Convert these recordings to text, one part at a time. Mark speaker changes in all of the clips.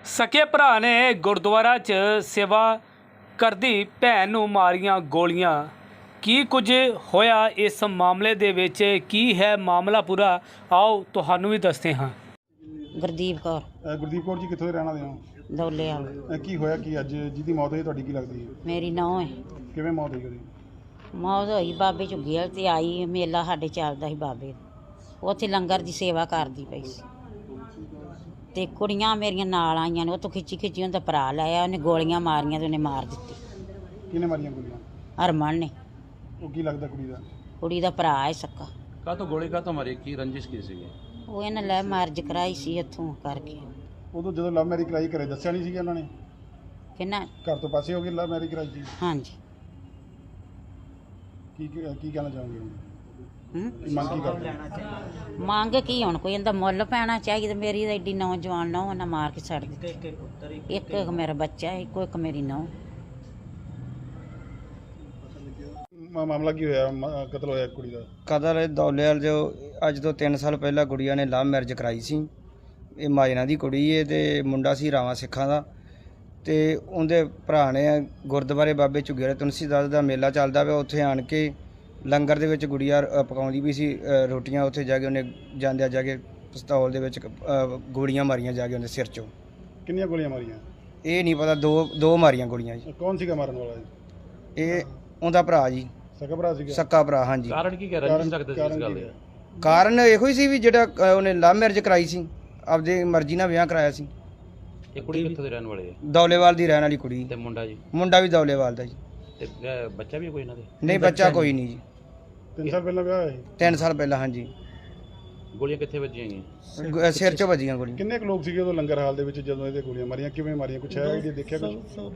Speaker 1: ਸਕੇ ਭਰਾ ਨੇ ਗੁਰਦੁਆਰਾ 'ਚ ਸੇਵਾ ਕਰਦੀ ਭੈਣ ਨੂੰ ਮਾਰੀਆਂ ਗੋਲੀਆਂ। ਕੀ ਕੁਝ ਹੋਇਆ ਇਸ ਮਾਮਲੇ ਦੇ ਵਿੱਚ, ਕੀ ਹੈ ਮਾਮਲਾ ਪੂਰਾ, ਆਓ ਤੁਹਾਨੂੰ ਵੀ ਦੱਸਦੇ ਹਾਂ।
Speaker 2: ਗੁਰਦੀਪ ਕੌਰ
Speaker 3: ਗੁਰਦੀਪ ਕੌਰ ਜੀ ਕਿੱਥੋਂ ਦੇ ਰਹਿਣ ਵਾਲੇ ਹੋ?
Speaker 2: ਦੌਲੇ ਵਾਲ
Speaker 3: ਕੀ ਹੋਇਆ ਕੀ ਅੱਜ ਜਿਹਦੀ ਮੌਤ ਹੋਈ ਤੁਹਾਡੀ ਕੀ ਲੱਗਦੀ ਹੈ?
Speaker 2: ਮੇਰੀ ਨੌਂ ਹੈ।
Speaker 3: ਕਿਵੇਂ ਮੌਤ ਹੋਈ ਉਹਦੀ?
Speaker 2: ਮੌਤ ਹੋਈ ਬਾਬੇ ਝੁੱਗੀ ਵਾਲ ਤੇ ਆਈ, ਮੇਲਾ ਸਾਡੇ ਚੱਲਦਾ ਸੀ ਬਾਬੇ ਦਾ, ਉੱਥੇ ਲੰਗਰ ਦੀ ਸੇਵਾ ਕਰਦੀ ਪਈ ਸੀ ਤੇ ਕੁੜੀਆਂ ਮੇਰੀਆਂ ਨਾਲ ਆਈਆਂ ਨੇ, ਉੱਥੋਂ ਖਿੱਚੀ ਉਹਦਾ ਭਰਾ ਲਾਇਆ, ਉਹਨੇ ਗੋਲੀਆਂ ਮਾਰੀਆਂ ਤੇ ਉਹਨੇ ਮਾਰ ਦਿੱਤੀ।
Speaker 3: ਕਿਹਨੇ ਮਾਰੀਆਂ ਗੋਲੀਆਂ?
Speaker 2: ਹਰਮਨ ਨੇ।
Speaker 3: ਉਹ ਕੀ ਲੱਗਦਾ ਕੁੜੀ ਦਾ?
Speaker 2: ਕੁੜੀ ਦਾ ਭਰਾ ਹੈ ਸਕਾ।
Speaker 4: ਕਾਹਤੋਂ ਗੋਲੀ ਕਾਹਤੋਂ ਮਾਰੀ, ਕੀ ਰੰਜਿਸ਼ ਕੀ ਸੀਗੀ?
Speaker 2: ਉਹ ਇਹਨਾਂ ਲੈ ਮਾਰਜ ਕਰਾਈ ਸੀ ਇੱਥੋਂ ਕਰਕੇ।
Speaker 3: ਉਦੋਂ ਜਦੋਂ ਲਵ ਮੈਰਿਜ ਕਰਾਈ ਘਰੇ ਦੱਸਿਆ ਨਹੀਂ ਸੀਗਾ ਇਹਨਾਂ ਨੇ?
Speaker 2: ਕਿੰਨਾ?
Speaker 3: ਘਰ ਤੋਂ ਪਾਸੇ ਹੋ ਗਈ ਲਵ ਮੈਰਿਜ ਕਰਾਈ ਸੀ?
Speaker 2: ਹਾਂਜੀ।
Speaker 3: ਕੀ ਕਹਿਣਾ ਚਾਹੋਗੇ? ਮੰਗ ਕੀ ਕਰਦੇ?
Speaker 2: ਮੰਗ ਕੀ ਹੁਣ, ਕੋਈ ਇਹਦਾ ਮੁੱਲ ਪੈਣਾ ਚਾਹੀਦਾ। ਮੇਰੀ ਤਾਂ ਐਡੀ ਨੌਜਵਾਨ ਨੌਂ ਉਹਨਾਂ ਮਾਰ ਕੇ ਛੱਡ ਦਿੱਤੀ। ਇੱਕ ਮੇਰਾ ਬੱਚਾ, ਇੱਕ ਮੇਰੀ ਨੌਂ।
Speaker 3: ਮਾਮਲਾ ਕੀ ਹੋਇਆ? ਕਤਲ ਹੋਇਆ ਕੁੜੀ ਦਾ?
Speaker 5: ਕਤਲ ਦੌਲੇਵਾਲ ਜੋ ਅੱਜ ਤੋਂ 3 ਸਾਲ ਪਹਿਲਾਂ ਗੁੜੀਆ ਨੇ ਲਵ ਮੈਰਿਜ ਕਰਾਈ ਸੀ। ਇਹ ਮਾਜਨਾ ਦੀ ਕੁੜੀ ਏ ਤੇ ਮੁੰਡਾ ਸੀ ਰਾਵਾਂ ਸਿੱਖਾਂ ਦਾ। ਤੇ ਉਹਦੇ ਭਰਾ ਨੇ ਗੁਰਦੁਆਰੇ ਬਾਬੇ ਝੁੱਗੀ ਵਾਲੇ ਤੁਲਸੀਦਾਸ ਦਾ ਮੇਲਾ ਚੱਲਦਾ ਪਿਆ, ਉੱਥੇ ਆਣ ਕੇ ਲੰਗਰ ਦੇ ਵਿੱਚ ਗੁੜੀਆ ਪਕਾਉਂਦੀ ਵੀ ਸੀ ਰੋਟੀਆਂ। ਉੱਥੇ ਜਾ ਕੇ ਉਹਨੇ ਜਾਂਦਿਆਂ ਜਾ ਕੇ ਪਿਸਤੌਲ ਦੇ ਵਿੱਚ ਗੋਲੀਆਂ ਮਾਰੀਆਂ ਜਾ ਕੇ ਉਹਦੇ ਸਿਰ 'ਚੋਂ।
Speaker 3: ਕਿੰਨੀਆਂ ਗੋਲੀਆਂ ਮਾਰੀਆਂ?
Speaker 5: ਇਹ ਨਹੀਂ ਪਤਾ, ਦੋ ਮਾਰੀਆਂ ਗੋਲੀਆਂ ਜੀ।
Speaker 3: ਕੌਣ ਸੀਗਾ ਮਾਰਨ ਵਾਲਾ ਜੀ?
Speaker 5: ਇਹ ਉਹਦਾ ਭਰਾ ਜੀ,
Speaker 3: ਸਕਾ ਭਰਾ ਸੀਗਾ?
Speaker 5: ਸੱਕਾ ਭਰਾ। ਹਾਂਜੀ।
Speaker 4: ਕਾਰਨ ਕੀ ਕਹਿ ਰੰਜਿਸ਼ ਰੱਖਦੇ ਸੀ ਇਸ ਗੱਲ ਦੇ?
Speaker 5: ਕਾਰਨ ਇਹੋ ਹੀ ਸੀ ਵੀ ਜਿਹੜਾ ਉਹਨੇ ਲਵ ਮੈਰਿਜ ਕਰਾਈ ਸੀ, ਆਪਦੀ ਮਰਜ਼ੀ ਨਾਲ ਵਿਆਹ ਕਰਾਇਆ ਸੀ।
Speaker 4: ਇਹ ਕੁੜੀ ਕਿੱਥੋਂ ਦੇ ਰਹਿਣ ਵਾਲੇ ਹੈ?
Speaker 5: ਦੌਲੇਵਾਲ ਦੀ ਰਹਿਣ ਵਾਲੀ ਕੁੜੀ।
Speaker 4: ਤੇ ਮੁੰਡਾ ਜੀ?
Speaker 5: ਮੁੰਡਾ ਵੀ ਦੌਲੇਵਾਲ ਦਾ ਜੀ।
Speaker 4: ਤੇ ਬੱਚਾ ਵੀ ਕੋਈ ਇਹਨਾਂ ਦੇ?
Speaker 5: ਨਹੀਂ, ਬੱਚਾ ਕੋਈ ਨਹੀਂ ਜੀ।
Speaker 3: 3 ਸਾਲ ਪਹਿਲਾਂ ਵਿਆਹ ਹੋਇਆ ਸੀ?
Speaker 5: 3 ਸਾਲ ਪਹਿਲਾਂ। ਹਾਂਜੀ।
Speaker 4: ਗੋਲੀਆਂ ਕਿੱਥੇ ਵੱਜੀਆਂ ਗਈਆਂ?
Speaker 5: ਸਿਰ 'ਚੋਂ ਵੱਜੀਆਂ ਗੋਲੀਆਂ।
Speaker 3: ਕਿੰਨੇ ਕੁ ਲੋਕ ਸੀਗੇ ਉਦੋਂ ਲੰਗਰ ਹਾਲ ਦੇ ਵਿੱਚ ਜਦੋਂ ਇਹਦੇ ਗੋਲੀਆਂ ਮਾਰੀਆਂ? ਕਿਵੇਂ ਮਾਰੀਆਂ? ਕੁਛ ਹੈ ਜੀ ਦੇਖਿਆ ਕੁਛ?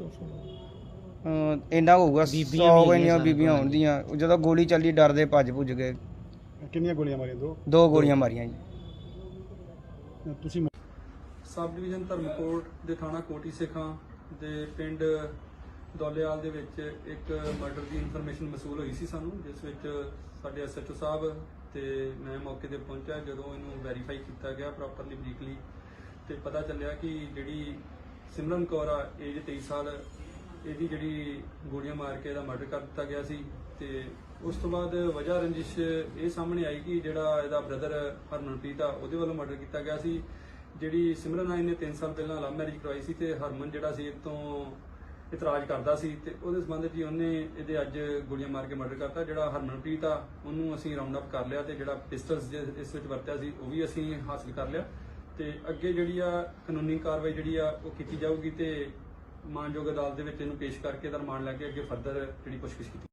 Speaker 5: ਇੰਨਾ ਹੋਊਗਾ 100 ਇੰਨੀਆਂ ਬੀਬੀਆਂ ਹੁੰਦੀਆਂ। ਜਦੋਂ ਗੋਲੀ ਚੱਲੀ ਡਰਦੇ ਭੱਜ ਭੁੱਜ ਗਏ।
Speaker 3: ਕਿੰਨੀਆਂ ਗੋਲੀਆਂ ਮਾਰੀਆਂ?
Speaker 5: ਦੋ ਗੋਲੀਆਂ ਮਾਰੀਆਂ ਜੀ।
Speaker 3: ਤੁਸੀਂ
Speaker 6: ਸਬ ਡਿਵੀਜ਼ਨ ਧਰਮਕੋਟ ਦੇ ਥਾਣਾ ਕੋਟੀ ਸਿੱਖਾਂ ਦੇ ਪਿੰਡ ਦੌਲੇਵਾਲ ਦੇ ਵਿੱਚ ਇੱਕ ਮਰਡਰ ਦੀ ਇਨਫੋਰਮੇਸ਼ਨ ਮਸੂਲ ਹੋਈ ਸੀ ਸਾਨੂੰ, ਜਿਸ ਵਿੱਚ ਸਾਡੇ ਐਸਐਚਓ ਸਾਹਿਬ ਤੇ ਮੈਂ ਮੌਕੇ ਤੇ ਪਹੁੰਚਿਆ। ਜਦੋਂ ਇਹਨੂੰ ਵੈਰੀਫਾਈ ਕੀਤਾ ਗਿਆ ਪ੍ਰੋਪਰਲੀ ਬਰੀਕਲੀ, ਤੇ ਪਤਾ ਚੱਲਿਆ ਕਿ ਜਿਹੜੀ ਸਿਮਰਨ ਕੌਰ ਆ, ਏਜ 23 ਸਾਲ, ਇਹਦੀ ਜਿਹੜੀ ਗੋਲੀਆਂ ਮਾਰ ਕੇ ਇਹਦਾ ਮਰਡਰ ਕਰ ਦਿੱਤਾ ਗਿਆ ਸੀ। ਤੇ ਉਸ ਤੋਂ ਬਾਅਦ ਵਜ੍ਹਾ ਰੰਜਿਸ਼ ਇਹ ਸਾਹਮਣੇ ਆਈ ਕਿ ਜਿਹੜਾ ਇਹਦਾ ਬ੍ਰਦਰ ਹਰਮਨਪ੍ਰੀਤ ਆ, ਉਹਦੇ ਵੱਲੋਂ ਮਰਡਰ ਕੀਤਾ ਗਿਆ ਸੀ। ਜਿਹੜੀ ਸਿਮਰਨ ਆਈ ਨੇ 3 ਸਾਲ ਪਹਿਲਾਂ ਲਵ ਮੈਰਿਜ ਕਰਵਾਈ ਸੀ ਤੇ ਹਰਮਨ ਜਿਹੜਾ ਸੀ ਇਹ ਤੋਂ ਇਤਰਾਜ਼ ਕਰਦਾ ਸੀ, ਤੇ ਉਹਦੇ ਸੰਬੰਧ 'ਚ ਉਹਨੇ ਇਹਦੇ ਅੱਜ ਗੋਲੀਆਂ ਮਾਰ ਕੇ ਮਰਡਰ ਕਰਤਾ। ਜਿਹੜਾ ਹਰਮਨਪ੍ਰੀਤ ਆ ਉਹਨੂੰ ਅਸੀਂ ਰਾਉਂਡ ਅਪ ਕਰ ਲਿਆ, ਤੇ ਜਿਹੜਾ ਪਿਸਟਲਸ ਇਸ ਵਿੱਚ ਵਰਤਿਆ ਸੀ ਉਹ ਵੀ ਅਸੀਂ ਹਾਸਲ ਕਰ ਲਿਆ। ਤੇ ਅੱਗੇ ਜਿਹੜੀ ਆ ਕਾਨੂੰਨੀ ਕਾਰਵਾਈ ਜਿਹੜੀ ਆ ਉਹ ਕੀਤੀ ਜਾਊਗੀ, ਤੇ ਮਾਨਯੋਗ ਅਦਾਲਤ ਦੇ ਵਿੱਚ ਇਹਨੂੰ ਪੇਸ਼ ਕਰਕੇ ਇਹਦਾ ਰਿਮਾਂਡ ਲੈ ਕੇ ਅੱਗੇ ਫਰਦਰ ਜਿਹੜੀ ਪੁੱਛਗਿੱਛ ਕੀਤੀ